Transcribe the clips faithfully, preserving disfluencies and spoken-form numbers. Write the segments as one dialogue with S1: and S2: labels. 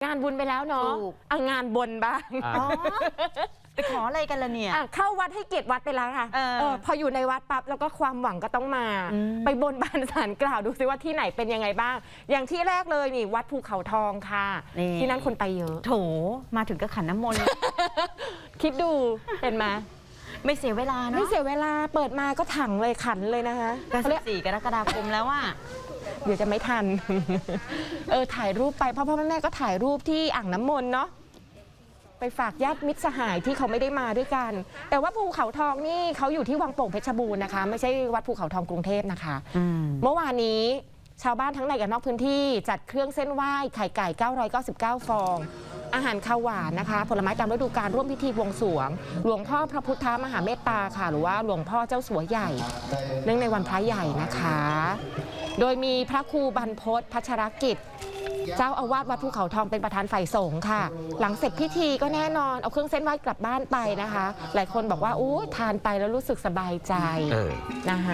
S1: านบุญไปแล้วเนาะเอางานบนบ้าง
S2: ไปขออะไรกันล่ะเนี่ย
S1: เข้าวัดให้เกียรติวัดไปแล้วค่ะเออพออยู่ในวัดปั๊บแล้วก็ความหวังก็ต้องมาไปบนบานศาลกล่าวดูซิว่าที่ไหนเป็นยังไงบ้างอย่างที่แรกเลยนี่วัดภูเขาทองค่ะที่นั่นคนไปเยอะ
S2: โถมาถึงก็ขันน้ำมนต์
S1: คิดดูเห็นไหม
S2: ไม่เสียเวลาเนาะ
S1: ไม่เสียเวลาเปิดมาก็ถังเลยขันเลยนะคะ
S2: ก็สิบสี่กรกฎาคมแล้วว่า
S1: เดี๋ยวจะไม่ทันเออถ่ายรูปไปพ่อพ่อแม่ก็ถ่ายรูปที่อ่างน้ำมนต์เนาะไปฝากญาติมิตรสหายที่เขาไม่ได้มาด้วยกันแต่ว่าภูเขาทองนี่เขาอยู่ที่วังโป่งเพชรบูรณ์นะคะไม่ใช่วัดภูเขาทองกรุงเทพนะคะเมื่อวานนี้ชาวบ้านทั้งในและนอกพื้นที่จัดเครื่องเส้นไหว้ไข่ไก่เก้าร้อยเก้าสิบเก้าฟองอาหารข้าวหวานนะคะผลไม้ตามฤดูกาลร่วมพิธีบวงสรวงหลวงพ่อพระพุทธมหาเมตตาค่ะหรือว่าหลวงพ่อเจ้าสัวใหญ่เนื่องในวันพระใหญ่นะคะโดยมีพระครูบรรพตพัชรกิจเจ้าอาวาสวัดภูเขาทองเป็นประธานฝ่ายสงฆ์ค่ะหลังเสร็จพิธีก็แน่นอนเอาเครื่องเส้นไหว้กลับบ้านไปนะคะหลายคนบอกว่าอู้ทานไปแล้วรู้สึกสบายใจนะคะ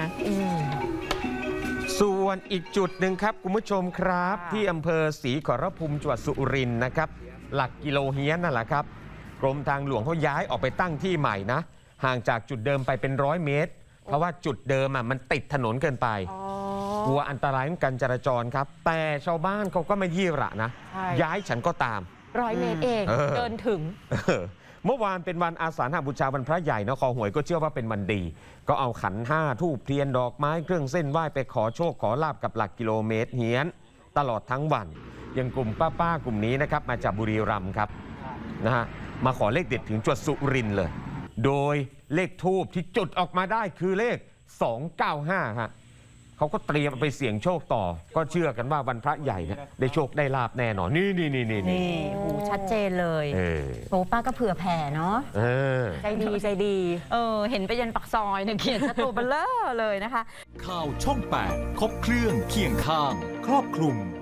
S3: ส่วนอีกจุดหนึ่งครับคุณผู้ชมครับที่อำเภอศรีขอรภูมิจังหวัดสุรินทร์นะครับหลักกิโลเฮียนนั่นแหละครับกรมทางหลวงเขาย้ายออกไปตั้งที่ใหม่นะห่างจากจุดเดิมไปเป็นร้อยเมตรเพราะว่าจุดเดิมอ่ะมันติดถนนเกินไปกลัวอันตรายของการจราจรครับแต่ชาวบ้านเขาก็ไม่ยี่หระนะย้ายฉันก็ตาม
S1: ร้อยเมตรเองเดินถึง
S3: เมื่อวานเป็นวันอาสาฬหบูชาวันพระใหญ่นครหวยก็เชื่อว่าเป็นวันดีก็เอาขันห้าธูปเทียนดอกไม้เครื่องเส้นไหว้ไปขอโชคขอลาบกับหลักกิโลเมตรเฮียนตลอดทั้งวันอย่างกลุ่มป้าๆกลุ่มนี้นะครับมาจากบุรีรัมย์ครับนะฮะมาขอเลขเด็ดถึงจังหวัดสุรินทร์เลยโดยเลขธูปที่จุดออกมาได้คือเลขสองเก้าห้าฮะเขาก็เตรียมไปเสี่ยงโชคต่อก็เชื่อกันว่าวันพระใหญ่เนี่ยได้โชคได้ลาบแน่นอนนี่นี่นี่นี่
S2: นี่โอ้ชัดเจนเลยโอ้ป้าก็เผื่อแผ่เนาะ
S1: ใจดีใจดี
S2: เออเห็นไปยันปักซอยเนี่ยเขียนชัดตัวเบลอเลยนะคะ
S4: ข่าวช่องแปดครบเครื่องเคียงข้างครอบคลุม